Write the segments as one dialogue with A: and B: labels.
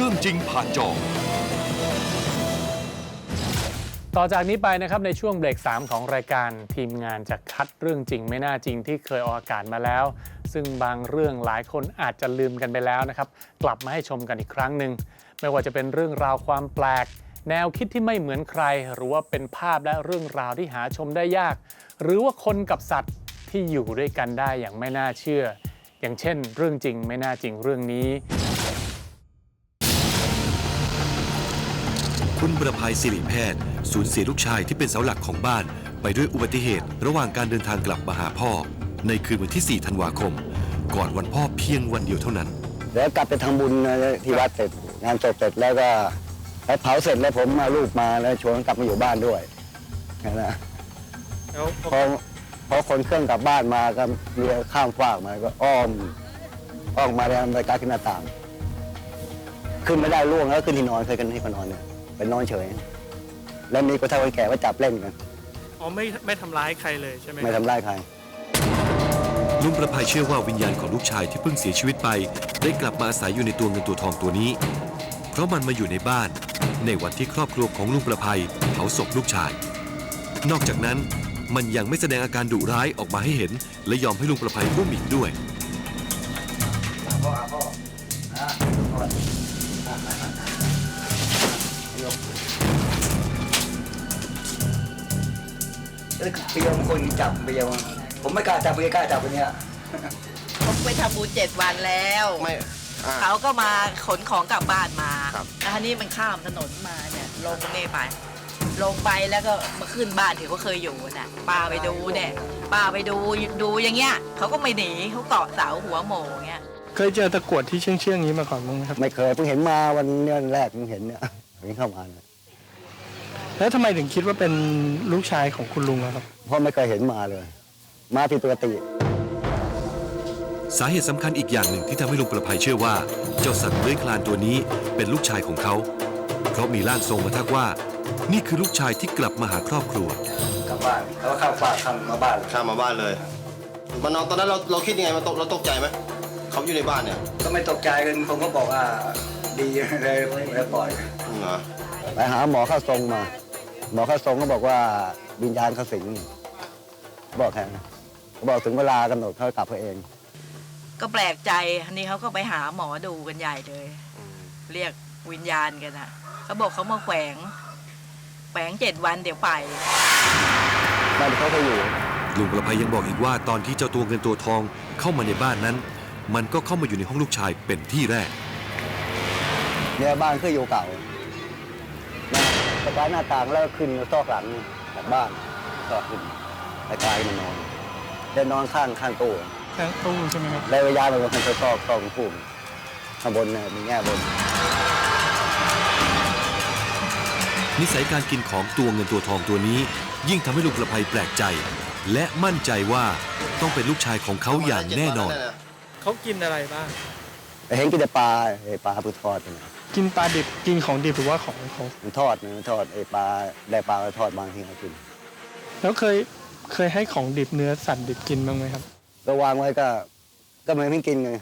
A: รื่องจริงผ่านจอ
B: ต่อจากนี้ไปนะครับในช่วงเบรก 3 ของรายการทีมงานจะคัดเรื่องจริงไม่น่าจริงที่เคยออกอากาศมาแล้วซึ่งบางเรื่องหลายคนอาจจะลืมกันไปแล้วนะครับกลับมาให้ชมกันอีกครั้งหนึ่งไม่ว่าจะเป็นเรื่องราวความแปลกแนวคิดที่ไม่เหมือนใครหรือว่าเป็นภาพและเรื่องราวที่หาชมได้ยากหรือว่าคนกับสัตว์ที่อยู่ด้วยกันได้อย่างไม่น่าเชื่ออย่างเช่นเรื่องจริงไม่น่าจริงเรื่องนี้
C: คุณประภัยศิริแพทย์สูญเสียลูกชายที่เป็นเสาหลักของบ้านไปด้วยอุบัติเหตุระหว่างการเดินทางกลับมาหาพ่อในคืนวันที่ 4 ธันวาคมก่อนวันพ่อเพียงวันเดียวเท่านั้น
D: แล้วกลับไปทำบุญที่วัดเสร็จงานศพเสร็จแล้วก็ไปเผาเสร็จแล้วผมมาลูกมาแล้วชวนกลับมาอยู่บ้านด้วยนะพอคนเครื่องกลับบ้านมาก็เรือข้ามฟากมาก็อ้อมมาแล้วไปกาขึ้นหน้าต่างขึ้นไม่ได้ล่วงแล้วขึ้นที่นอนเคยกันที่นอนเนี่ยเป็นนอนเฉยแล้วมีคนเฒ่าคนแก่มาจับเล่นกัน
E: อ๋อไม่ทำร้ายใครเลยใช่ไหม
D: ไม่ทำร้ายใคร
C: ลุงประภัยเชื่อว่าวิญญาณของลูกชายที่เพิ่งเสียชีวิตไปได้กลับมาอาศัยอยู่ในตัวเงินตัวทองตัวนี้เพราะมันมาอยู่ในบ้านในวันที่ครอบครัวของลุงประภัยเผาศพลูกชายนอกจากนั้นมันยังไม่แสดงอาการดุร้ายออกมาให้เห็นและยอมให้ลุงประภัยอุ้มอีกด้วย
D: เปียมคนจับเปียมผมไม่กล้าจับไม่กล้าจับคนนี้
F: ผมไปทำบุญ7 วันแล้วเขาก็มาขนของกลับบ้านมาแล้วทีนี้มันข้ามถนนมาเนี่ยลงนี่ไปลงไปแล้วก็มาขึ้นบ้านที่เขาเคยอยู่น่ะป้าไปดูเนี่ยป้าไปดูอย่างเงี้ยเขาก็ไม่หนีเขาเกาะเสาหัวโหม่เงี้ย
E: เคยเจอตะกรวดที่เชื่องๆนี้มาก่อนมั้งครับ
D: ไม่เคยเพิ่งเห็นมาวันนี้แรกเพิ่งเห็นเนี่ยเพิ่งเข้ามา
E: แล้วทำไมถึงคิดว่าเป็นลูกชายของคุณลุงครับ
D: เพราะไม่เคยเห็นมาเลยมาผิดปกติ
C: สาเหตุสำคัญอีกอย่างหนึ่งที่ทำให้ลุงประภัยเชื่อว่าเจ้าสัตว์เลื้อยคลานตัวนี้เป็นลูกชายของเขาเพราะมีร่างทรงมาทักว่านี่คือลูกชายที่กลับมาหาครอบครัว
D: กลับบ้านเขาข้ามฟากข้ามมาบ้าน
G: เลยมันนอนตอนนั้นเราคิดยังไงเราตกใจไหมเขาอยู่ในบ้านเนี่ย
D: ก็ไม่ตกใจกันผมก็บอกว่าดีเลยแล้วปล่อยไปหาหมอเข้าทรงมาหมอเข้าทรงก็บอกว่าวิญญาณเขาสิงบอกแค่บอกถึงเวลากำหนดเขากลับเอง
F: ก็แปลกใจอันนี้เขาก็ไปหาหมอดูกันใหญ่เลยเรียกวิญญาณกันนะเขาบอกเขามาแฝง7 วันเดี๋ยวไป
D: บ้านเขาไปอยู่
C: ลุงประภัยยังบอกอีกว่าตอนที่เจ้าตัวเงินตัวทองเข้ามาในบ้านนั้นมันก็เข้ามาอยู่ในห้องลูกชายเป็นที่แรก
D: เนี่ยบ้านเคยอยู่เก่าสะพานหน้าต่างแล้วขึ้นซอกหลังจากบ้านซอกขึ้นไปไกลมานอนเดินนอนข้างตู้
E: ใช่ไหมครับ
D: แล้วย้ายไปบนซอกพุ่มข้างบนเนี่ยมีแง่บน
C: นิสัยการกินของตัวเงินตัวทองตัวนี้ยิ่งทำให้ลุงประภัยแปลกใจและมั่นใจว่าต้องเป็นลูกชายของเขาอย่างแน่นอน
E: เขากินอะไรบ้าง
D: เห็นกินแต่ปลาปูทอด
E: กินปลาดิบกินของดิบหรือว่าของ
D: มันทอดปลาได้ปลาทอดบางทีเขากิน
E: แล้วเคยให้ของดิบเนื้อสัตว์ดิบกินบ้างไหมครับ
D: ก็วางไว้ก็ไม่กินไง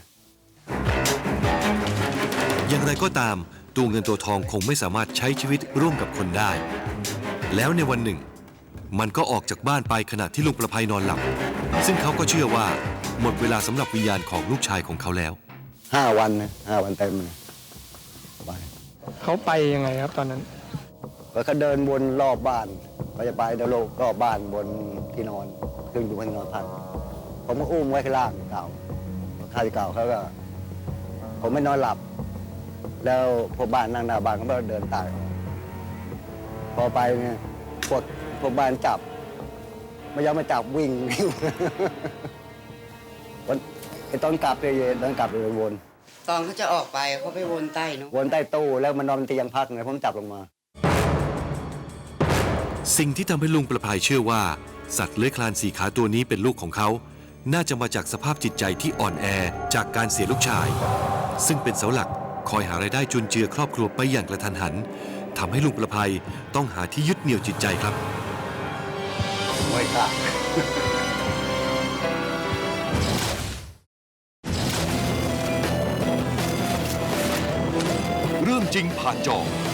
C: อย่างไรก็ตามตัวเงินตัวทองคงไม่สามารถใช้ชีวิตร่วมกับคนได้แล้วในวันหนึ่งมันก็ออกจากบ้านไปขณะที่ลุงประภัยนอนหลับซึ่งเขาก็เชื่อว่าหมดเวลาสำหรับวิญญาณของลูกชายของเขาแล้ว
D: 5 วันนะ5 วันเต็มเลย
E: เขาไปยังไงครับตอนนั้น
D: เขาเดินวนรอบบ้านเขาจะไปเดินรอบบ้านบนที่นอนขึ้นอยู่บนนอนพักผมก็อุ้มไว้ข้างล่างเก่าข้าที่เก่าเขาก็ผมไม่นอนหลับแล้วพวกบ้านนั่งหน้าบ้านเขาก็เดินตายพอไปเนี่ยพวกบ้านจับไม่ยอมมาจับวิ่งตอนกลับเลยวน
F: ตอนเขาจะออกไปเขาไปวนใต้เนาะ
D: วนใต้ตู้แล้วมันนอนเตียงพักไงผมจับลงมา
C: สิ่งที่ทำให้ลุงประภัยเชื่อว่าสัตว์เลื้อยคลาน4 ขาตัวนี้เป็นลูกของเขาน่าจะมาจากสภาพจิตใจที่อ่อนแอจากการเสียลูกชายซึ่งเป็นเสาหลักคอยหารายได้จุนเจือครอบครัวไปอย่างกระทันหันทำให้ลุงประภัยต้องหาที่ยึดเหนี่ยวจิตใจครับ
D: ไม่ค่ะ
A: เรื่องจริงผ่านจอ